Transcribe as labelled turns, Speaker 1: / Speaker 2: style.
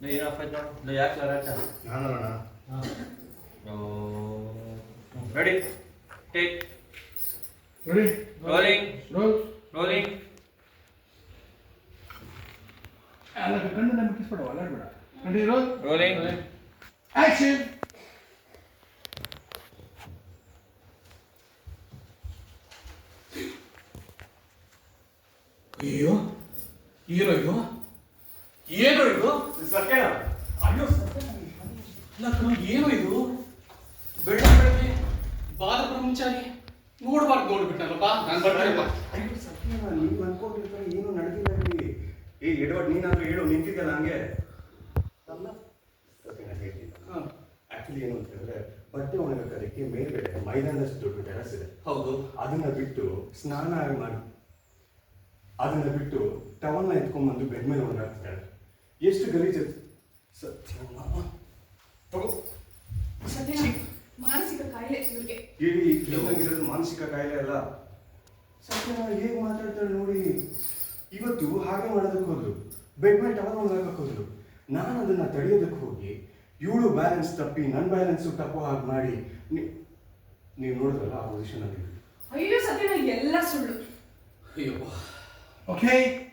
Speaker 1: ಏನಪ್ಪ ನೋಡು ಯಾಕೆ ಲರಾಟ
Speaker 2: ನಾನಲ್ಲ
Speaker 1: ready take
Speaker 2: ready
Speaker 1: rolling
Speaker 2: roll
Speaker 1: rolling
Speaker 2: ಅಲ್ಲ ಕಣ್ಣು ನಮಗೆ ಕಿಸ್ಬಿಡುವ ಅಲ್ಲಾಡ್ಬೇಡ ರೆಡಿ ರೋಲ್
Speaker 1: ರೋಲಿಂಗ್
Speaker 2: ಆಕ್ಷನ್ ಅಯ್ಯೋ ಏನೋ ಇದು ಏನೋ ಇದು
Speaker 3: ಸತ್ಯನಾ
Speaker 2: ಅಯ್ಯೋ ಅಲ್ಲ ಕಣೋ ಏನೋ ಇದು ಬೆಳ್ಳ ಬೆಳಗ್ಗೆ ಬಾದ ಬ್ರಹ್ಮಚಾರಿ ನೋಡ್ಬಾರ್ದು ನೋಡ್ಬಿಟ್ಟಲ್ಲಪ್ಪ ನಾನು ಬರ್ತೀನಪ್ಪ
Speaker 3: ಅಯ್ಯೋ ಸತ್ಯನಾ ನೀವು ಅನ್ಕೊಂಡಿರ್ತಾರೆ ಏನು ನಡೆದಿಲ್ಲ ಇಲ್ಲಿ ಎಡವಡ್ ನೀನಾದ್ರೂ ಹೇಳು ನಿಂತಿದ್ದಲ್ಲ ಹಂಗೆ ಅಲ್ಲ ಸತ್ಯನಾ ಹೇಳ್ತೀನಿ ಆಕ್ಚುಲಿ ಏನು ಅಂತ ಹೇಳಿದ್ರೆ ಬಟ್ಟೆ ಒಣಗಕ್ಕೆ ಮೇಲ್ಗಡೆ ಮೈದಾನದಷ್ಟು ದೊಡ್ಡ ಟೆರಸ್ ಇದೆ.
Speaker 2: ಹೌದು
Speaker 3: ಅದನ್ನ ಬಿಟ್ಟು ಸ್ನಾನ ಮಾಡಿ ಅದನ್ನ ಬಿಟ್ಟು ಟವಲ್ನ ಎತ್ಕೊಂಡ್ಬಂದು ಬೆಡ್ ಮೇಲೆ ಒಣಗಾಕ್ತಿದ್ದಾಳೆ. ಎಷ್ಟು ಗಲೀಜು ಸತ್ಯನಾ ತಗೋ
Speaker 4: ಮಾನಸಿಕ ಕಾಯಿಲೆ ಇವ್ರಿಗೆ.
Speaker 3: ಇರೋದು ಮಾನಸಿಕ ಕಾಯಿಲೆ ಅಲ್ಲ. ಸತ್ಯನಾ ಹೇಗೆ ಮಾತಾಡ್ತಾಳೆ ನೋಡಿ. ಇವತ್ತು ಹಾಗೆ ಮಾಡೋದಕ್ಕೆ ಹೋದ್ರು, ಬೆಡ್ ಮೇಲೆ ಟವಲ್ ಒಣಗಾಕಕ್ಕೆ ಹೋದ್ರು. ನಾನು ಅದನ್ನ ತಡೆಯೋದಕ್ಕೆ ಹೋಗಿ ಇವಳು ಬ್ಯಾಲೆನ್ಸ್ ತಪ್ಪಿ ನನ್ನ ಬ್ಯಾಲೆನ್ಸು ತಪ್ಪೋ ಹಾಗೆ ಮಾಡಿ ನೀವು ನೋಡಿದ್ರಲ್ಲ ಆ ಪೊಸಿಷನ್ ಅಲ್ಲಿ.
Speaker 4: ಅಯ್ಯೋ ಸತ್ಯನ ಎಲ್ಲ ಸುಳ್ಳು.
Speaker 2: ಅಯ್ಯೋ ಓಕೆ